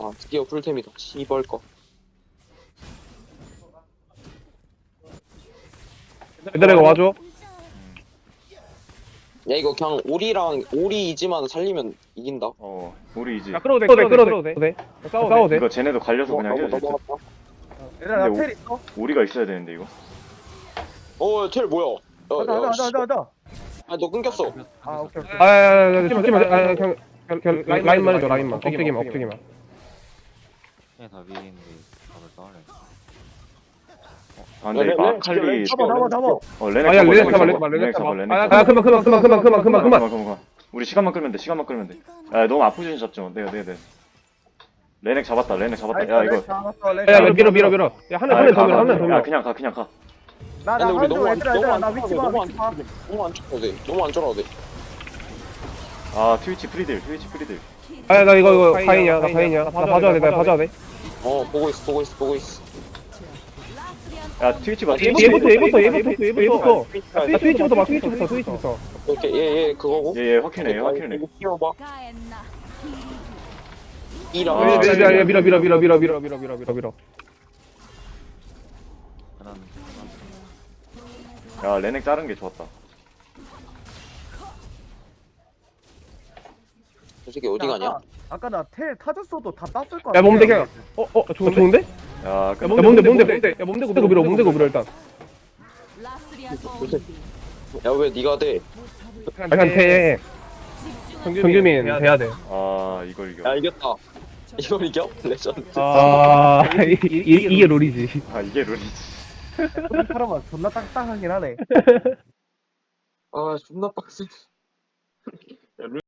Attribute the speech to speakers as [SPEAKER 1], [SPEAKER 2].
[SPEAKER 1] 아 드디어 풀템이다. 씨벌 거.
[SPEAKER 2] 얘들아 이거 와줘.
[SPEAKER 1] 야 이거 그냥 오리 이지만 살리면 이긴다.
[SPEAKER 3] 우리이지.
[SPEAKER 2] 야 끌어도 돼. 싸워도 돼.
[SPEAKER 3] 이거 쟤네도 갈려서 그냥 해도 될 듯.
[SPEAKER 1] 넘어갔다.
[SPEAKER 4] 얘들아
[SPEAKER 3] 근데
[SPEAKER 4] 나텔 있어?
[SPEAKER 3] 우리가 있어야 되는데 이거.
[SPEAKER 1] 텔 뭐야?
[SPEAKER 4] 가자.
[SPEAKER 1] 아너 끊겼어.
[SPEAKER 4] 아 오케이.
[SPEAKER 2] 죽지 마. 그냥 라인만 해줘. 라인만. 엎드기만.
[SPEAKER 5] 그냥 다 위인데 답을 떠올래.
[SPEAKER 3] 아 근데 이거 아칼리.
[SPEAKER 4] 잡아.
[SPEAKER 3] 레넥
[SPEAKER 2] 아야 레넥 잡아.
[SPEAKER 3] 레넥 잡아. 레넥
[SPEAKER 2] 아
[SPEAKER 3] 잡아.
[SPEAKER 2] 그만.
[SPEAKER 3] 우리 시간만 끌면 돼. 시간만 끌면 돼. 야 너무 아프지 잡죠. 내가. 레넥 잡았다. 야 이거.
[SPEAKER 2] 야 밀어. 야 하늘 더 밀어.
[SPEAKER 3] 야 그냥 가.
[SPEAKER 4] 나
[SPEAKER 1] 근데 우리 너무 안
[SPEAKER 4] 얘들아 나
[SPEAKER 1] 너무
[SPEAKER 4] 위치
[SPEAKER 1] 안
[SPEAKER 4] 봐.
[SPEAKER 1] 너무 안 쫄아도 돼. 너무 안 쫄아도 돼.
[SPEAKER 3] 아 트위치 프리딜.
[SPEAKER 2] 아야 나 이거 파인이야. 나 봐줘야 돼.
[SPEAKER 1] 보고 있어.
[SPEAKER 3] 야 트위치 봐.
[SPEAKER 2] 얘부터. 트위치부터 봐. 트위치부터.
[SPEAKER 1] 이렇게 얘 그거고.
[SPEAKER 3] 얘 확인해.
[SPEAKER 1] 이거 키워봐. 이랑
[SPEAKER 3] 아,
[SPEAKER 2] 야 밀어.
[SPEAKER 3] 야 레넥 자른 게 좋았다.
[SPEAKER 1] 저 새끼 어디 가냐?
[SPEAKER 4] 아까 나 텔 타졌어도 다 땄을 거야.
[SPEAKER 2] 야 몸대 그냥. 좋은데?
[SPEAKER 3] 야
[SPEAKER 2] 야 몸대. 야 몸대고 밀어 일단.
[SPEAKER 1] 야 왜 네가 돼?
[SPEAKER 2] 한테 정규민 돼야 돼.
[SPEAKER 3] 아 이걸 이겨.
[SPEAKER 1] 야 이겼다. 이걸 이겨? 레전드.
[SPEAKER 2] 이게 롤이지.
[SPEAKER 3] 아 이게 룰이지.
[SPEAKER 4] 사람은 존나 딱딱하긴 하네.
[SPEAKER 1] 아 존나 빡세.